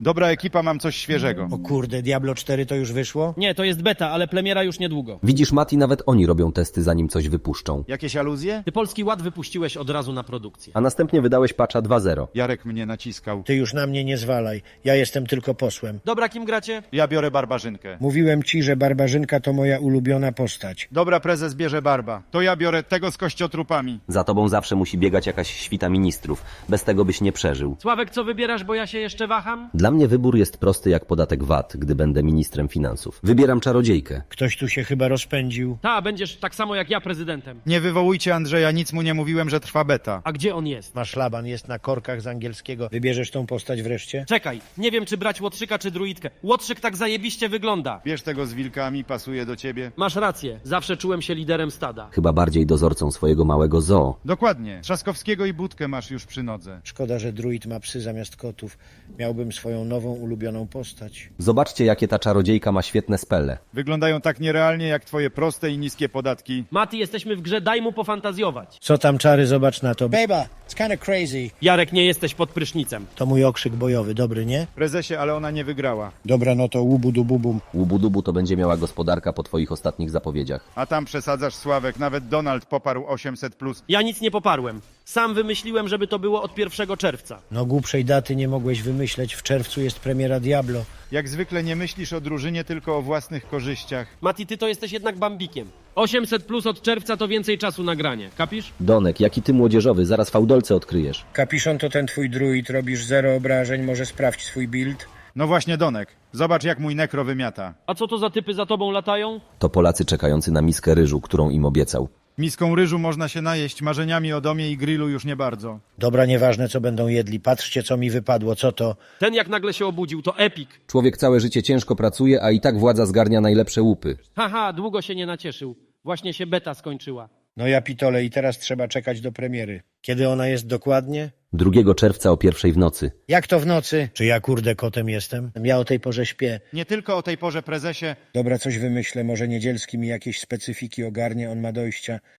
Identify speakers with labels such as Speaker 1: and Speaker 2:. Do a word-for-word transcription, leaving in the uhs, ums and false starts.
Speaker 1: Dobra ekipa, mam coś świeżego.
Speaker 2: O kurde, Diablo cztery to już wyszło?
Speaker 3: Nie, to jest beta, ale premiera już niedługo.
Speaker 4: Widzisz, Mati, nawet oni robią testy, zanim coś wypuszczą.
Speaker 1: Jakieś aluzje?
Speaker 3: Ty Polski Ład wypuściłeś od razu na produkcję.
Speaker 4: A następnie wydałeś patcha dwa zero.
Speaker 1: Jarek mnie naciskał.
Speaker 2: Ty już na mnie nie zwalaj. Ja jestem tylko posłem.
Speaker 3: Dobra, kim gracie?
Speaker 1: Ja biorę barbarzynkę.
Speaker 2: Mówiłem ci, że Barbarzynka to moja ulubiona postać.
Speaker 1: Dobra, prezes bierze barba. To ja biorę tego z kościotrupami.
Speaker 4: Za tobą zawsze musi biegać jakaś świta ministrów. Bez tego byś nie przeżył.
Speaker 3: Sławek, co wybierasz, bo ja się jeszcze waham?
Speaker 4: Dla mnie wybór jest prosty jak podatek V A T, gdy będę ministrem finansów. Wybieram czarodziejkę.
Speaker 2: Ktoś tu się chyba rozpędził.
Speaker 3: Ta, będziesz tak samo jak ja prezydentem.
Speaker 1: Nie wywołujcie Andrzeja, nic mu nie mówiłem, że trwa beta.
Speaker 3: A gdzie on jest?
Speaker 2: Masz szlaban, jest na korkach z angielskiego. Wybierzesz tą postać wreszcie?
Speaker 3: Czekaj, nie wiem czy brać łotrzyka czy druidkę. Łotrzyk tak zajebiście wygląda.
Speaker 1: Bierz tego z wilkami, pasuje do ciebie.
Speaker 3: Masz rację, zawsze czułem się liderem stada.
Speaker 4: Chyba bardziej dozorcą swojego małego zoo.
Speaker 1: Dokładnie. Trzaskowskiego i Budkę masz już przy nodze.
Speaker 2: Szkoda, że druid ma psy zamiast kotów. Miałbym swoją nową, ulubioną postać.
Speaker 4: Zobaczcie, jakie ta czarodziejka ma świetne spele.
Speaker 1: Wyglądają tak nierealnie jak twoje proste i niskie podatki.
Speaker 3: Mati, jesteśmy w grze, daj mu pofantazjować.
Speaker 2: Co tam, czary, zobacz na to. Beba, it's kinda crazy.
Speaker 3: Jarek, nie jesteś pod prysznicem.
Speaker 2: To mój okrzyk bojowy, dobry, nie?
Speaker 1: Prezesie, ale ona nie wygrała.
Speaker 2: Dobra, no to łubu du bubum.
Speaker 4: Łubu-dubu to będzie miała gospodarka po twoich ostatnich zapowiedziach.
Speaker 1: A tam przesadzasz, Sławek. Nawet Donald poparł osiemset plus.
Speaker 3: Ja nic nie poparłem. Sam wymyśliłem, żeby to było od pierwszego czerwca.
Speaker 2: No głupszej daty nie mogłeś wymyśleć. W czerwcu jest premiera Diablo.
Speaker 1: Jak zwykle nie myślisz o drużynie, tylko o własnych korzyściach.
Speaker 3: Mati, ty to jesteś jednak bambikiem. osiemset plus od czerwca to więcej czasu na granie. Kapisz?
Speaker 4: Donek, jaki ty młodzieżowy, zaraz fałdolce odkryjesz.
Speaker 2: Kapiszon to ten twój druid, robisz zero obrażeń, może sprawdź swój build.
Speaker 1: No właśnie, Donek. Zobacz, jak mój nekro wymiata.
Speaker 3: A co to za typy za tobą latają?
Speaker 4: To Polacy czekający na miskę ryżu, którą im obiecał.
Speaker 1: Miską ryżu można się najeść, marzeniami o domie i grillu już nie bardzo.
Speaker 2: Dobra, nieważne co będą jedli. Patrzcie co mi wypadło, co to?
Speaker 3: Ten jak nagle się obudził, to epik.
Speaker 4: Człowiek całe życie ciężko pracuje, a i tak władza zgarnia najlepsze łupy.
Speaker 3: Haha, długo się nie nacieszył. Właśnie się beta skończyła.
Speaker 2: No ja pitole i teraz trzeba czekać do premiery. Kiedy ona jest dokładnie?
Speaker 4: drugiego czerwca o pierwszej w nocy.
Speaker 2: Jak to w nocy? Czy ja kurde kotem jestem? Ja o tej porze śpię.
Speaker 1: Nie tylko o tej porze, prezesie.
Speaker 2: Dobra, coś wymyślę, może Niedzielski mi jakieś specyfiki ogarnie, on ma dojścia.